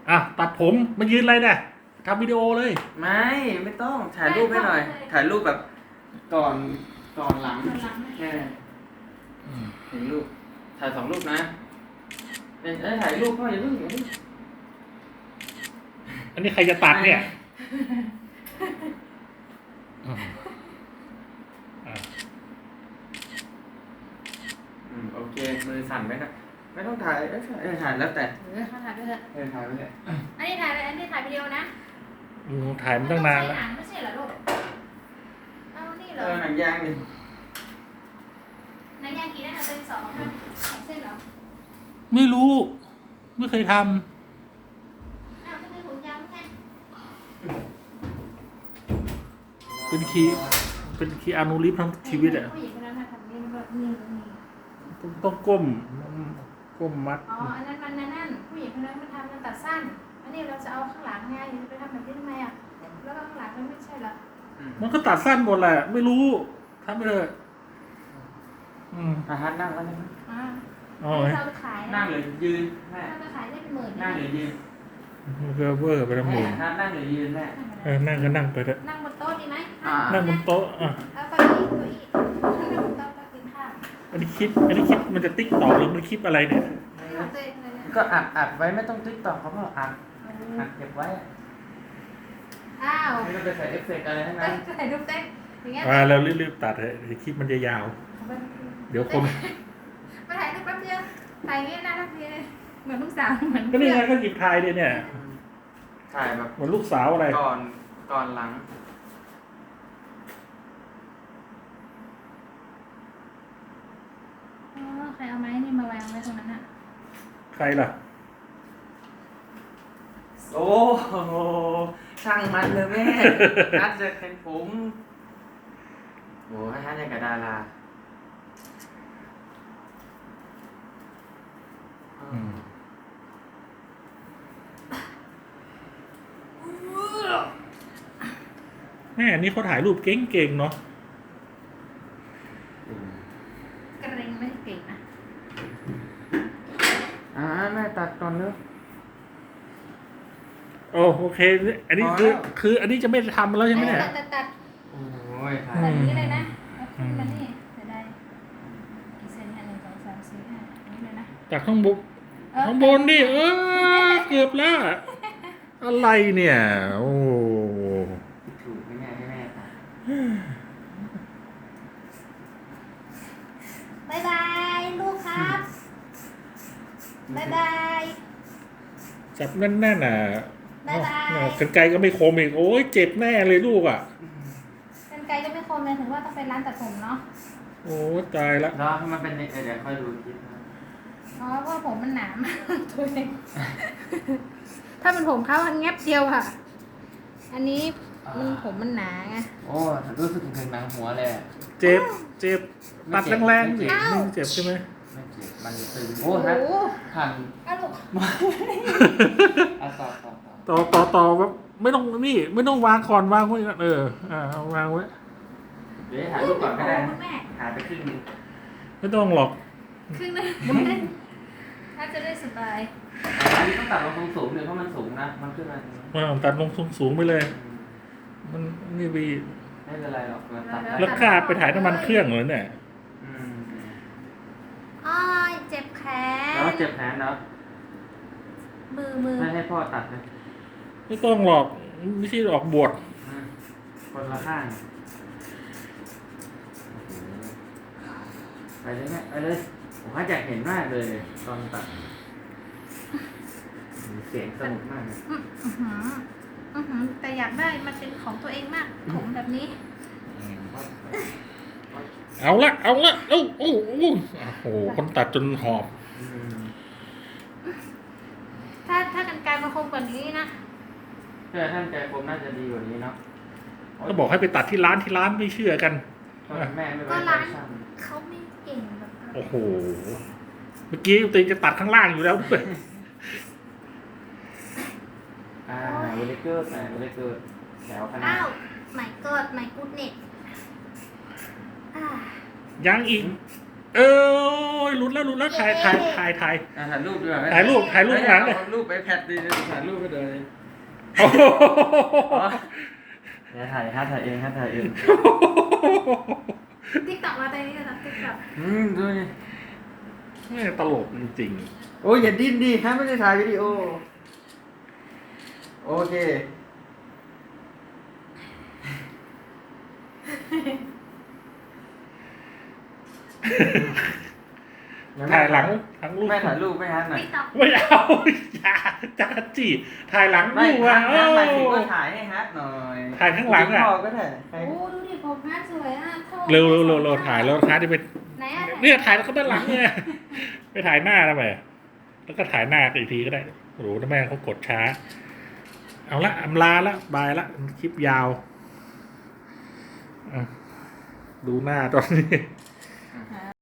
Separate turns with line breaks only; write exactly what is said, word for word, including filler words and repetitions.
อ่ะตัดผมมายืนอะไรเนี่ยทำวิดีโอเลย
ไม่ไม่ต้องถ่ายรูปให้หน่อย ถ่ายรูปแบบก่อนก่อนหลังแค่เห็นรูปถ่ายสองรูปนะเอ้ยถ่ายรูปก็อย่าเพิ่งอย่าเพิ่ง
อันนี้ใครจะตัดเนี่ยอืมอ่ะ
อืมโอเคมือสั่นไหมครับไม่ต้องถ่ายเอ้ยเออถ่ายแล้วแต่
เออเขาถ่ายไปเถอะ
เออถ่ายไปเลย
อันนี้ถ่ายไปอันนี้ถ่ายวิดีโอนะ
อืมถ่ายมาตั้งนานแล้ว
ใช้หนังไม่ใช่เหรอลูกเอานี่เหร
เอ
อ
อหนังยางดิ
หนังยางกี่ได้คะเป็นสองค่ะสองเส้นเหรอ
ไม่รู้ไม่เคยทำ
อ้าวไม่เคยผมยาวไง
เป็นคีเป็นคีอานูรีฟทั้งชีวิตอ่ะ
ผู้หญิงคนนั้นน่ะทำนี่แบบนี่นี่
ต้องต้องก้มก้มมัด
อ๋ออันนั้นมันนั่นผู้หญิงคนนั้นมันทำมันตัดสั้นอันนี้เราจะเอาข้างหลังไงจะไปทำแบบนี้ทำไมอ่ะแล้วข้างหลังมันไม่ใช่เหรอ
มันก็ตัดสั้นหมดแหละไม่รู้ทำไปเลยอืม
อ่ะฮัทนั่งแล้วใช่ไหม
อ่า
อ๋อ
เราไปขาย
นั่
นะ
งหรือยืนแม่
ถ้าไปขายได้เป็นหมื่น
นั่งหรือยืน
เวอร์เวอร์ไปทั้งหม
แม่
ด
ฮัทนั่งหรือยืนแม่
เออนั่งก็นั่งไปเถอะ
นั่งบนโต๊ะดีไหม
อ่า
นั่งบนโต๊ะอ่ะ
แล้วก็อีกตัวอีกนั่งบนโต๊ะก็กินข้าว
อันนี้คลิปอันนี้คลิปมันจะติ๊กต่อหรือมันคลิปอะไรเนี่ย
ของตัวเองเลยนะ
ก็อัดอัดไว้ไม่ต้องติ๊กต่อเขาบอกอัดอัดเก็บไว้อะ
อ้าว
ไม่ต้องไปใส่เอฟเฟกต์อะไรทั้งนั้น
ใส่รูปเต้นอย่างเงี้ย
มาแล้วรีบๆตัดเถอะเดี๋ยวคลิปมันจะยาว เดี๋ยวคน
มาถ่ายรูปแป๊บเดียวถ่ายอย่างเงี้ยน่ารักดีเลยเหมือนลูกสาวเหมือน
ก็นี่ไงก็หยิบถ่ายเลยเนี่ย
ถ่ายแบบ
เหมือนลูกสาวอะไร
ก่อนก่อนหลัง
อ๋อใครเอาไม้นี่มาวางไว้ตรงนั้นอ่ะ
ใครล่ะ
โอ้โหช่างมันเลยแม่ นัดจะเป็นผมโอ้ให้ฮัทยังกับดารา
อืมแม่อันนี้เขาถ่ายรูปเก่งๆเนาะ
กระเรงไม่เก่งนะ
อ่าแม่ตัดก่อนเนอะ
โอ้โอเค อันนี้คือ
พอแล้ว
คือ อันนี้จะไม่ทำแล้วใช่ไหมเนี่ย
ตัดตัดตัด
โอ้ยถ่า
ตัด
ย
อย่างนี้เลยนะเอาขึ้นมานี่จะได้กี่เซนเนี่ยหนึ่งสองสามสี่ห้าอันนี้เลยนะ
จากข้างบน
เออ
ข้างบนดิเออเกือบแล้ว อะไรเนี่ย โอ้
ถูกให้แม่ให้แม่ตัด
บายบายลูกครับบายบาย
จับแน่นๆน่ะ
บ๊ายบาย
อ๋อกันไกลก็ไม่คมอีก โอ้ยเจ็บแน่เลยลูกอ่ะ
กรรไกรก็ไม่คมเลยถึงว่าต้องไปร้านตัดผมเนาะ
โอ้ยตายละ
แล้วให้มันเป็นเออเดี๋ยวค่อยดูคลิปนะ
อ๋อเพราะผมมันหนามากตัวเองถ้าเป็นผมเขาแงบเดียวค่ะ อันนี้มันผมมันหนาไง
โอ้รู้สึกถึงหนังหัวเลยอะ
เจ็บ เจ็บ ตัดแรงๆ
ไม่
สิ
เจ็บ
ไม่เจ็บใช่ไหม
ไม่เจ็บมันตึงโอ้
โอ้
ฮัท
โห
หัน
เอาลูก
อ่ะต่อต่อต่อ
ต่อต่อต่อแบบไม่ต้องนี่ ไม่ต้องวางก่อนวางไว้ก่อนเออ อ่าเอาวางไว้
เดี๋ยวถ่ายรูปก่อนก็ได้
คุณแม่
ถ่ายไปครึ่งนึง
ไม่ต้องหรอก
ครึ่งนึงถ้าจะได้สบาย
อันนี้ต้องตัดลงสูงๆเลยเพราะมันสูงนะมันขึ้นมาตรงนี้
มาตัดลงสูงๆไปเลย มันนี่วี
ไม่เป็นไรหรอกเราตัดได้
แล้วกล้าไปถ่ายน้ำมันเครื่องเหรอเนี่ย
อืม
อ้อยเจ็บแขน
แล้วเจ็บแขนเนาะ
มือมือ
ไม่ให้พ่อตัดเลย
ไม่ต้องหรอกไม่ใช่ออกบวช
อืมคนละข้างไปเลยแม่ไปเลยผมว่าอยากเห็นมากเลยตอนตัดเสียงสนุกมากเลย
อื้อหืออื้อหือแต่อยากได้มันเป็นของตัวเองมากผมแบบนี้
เอาละเอาละเอ้าโอ้โหโอ้โหคนตัดจนหอบ
อืม
ถ้าถ้ากันไกรมันคมกว่านี้นะ
เพื่อท่านใจคมน่าจะดีกว่านี้เนาะ
ก็บอกให้ไปตัดที่ร้านที่ร้านไม่เชื่อกัน
ก็แม่ไม่ไว้
ก็
ใจ
ร้าน
ช่าง
เขาไม่เก่งแบบนั้น
โอ้โห เมื่อกี้ตัวเองจะตัดข้างล่างอยู่แล้วด้วย
อ่าเวลิเกอร์แต่เวลิเกอร์แถวคณะ
อ้าวไม่เกิดไม่กูดเน็ตอ่า
ยังอีกเออหลุดแล้วหลุดแล้วถ่ายถ่ายถ่ายถ่าย
อ่ะถ่ายรูปดีกว่า
ถ่ายรูปถ่ายรูปข้างหลังเลย
เอารูปไปแพดดีถ่ายรูปไปเลย
โอ้โห
เดี๋ยวถ่ายฮะถ่ายเองฮะถ่ายเอง
ติ๊กต็อกมาตอนนี้นะติ๊กต็อก
อืมดูนี่
แม่ตลกจริง
โอ้ยอย่าดิ้นดิฮะไม่ได้ถ่ายวิดีโอโอเค
ๆถ่ายหลังทั้งลูก
ไม่ถ่ายรูปไม่ฮะหน่อย
ติ๊กต็อก
ไม่เอาอย่าจ้าจีถ่ายหลัง
ไม่
ลูก
ฮะ
อ่ะ
ฮะหมายถึง
โอ้
ว่าถ่ายให้ฮะหน่อย
ถ่ายข้างหลังอะ
พ่อก็ถ่ายใคร
โอ้ดูดิผมน่าสวยอ่ะโทษ
เร็วเร็วเร็วเร็วถ่ายแล้วท้าที่ไป
ไหนอ่ะ
เนี่ยถ่ายแล้วก็ด้านหลังเนี่ยไปถ่ายหน้าทำไมแล้วก็ถ่ายหน้าอีกทีก็ได้โอ้โหทำไมเขากดช้า เอาละอำลาละบายละคลิปยาวอ่ะดูหน้าตอนนี้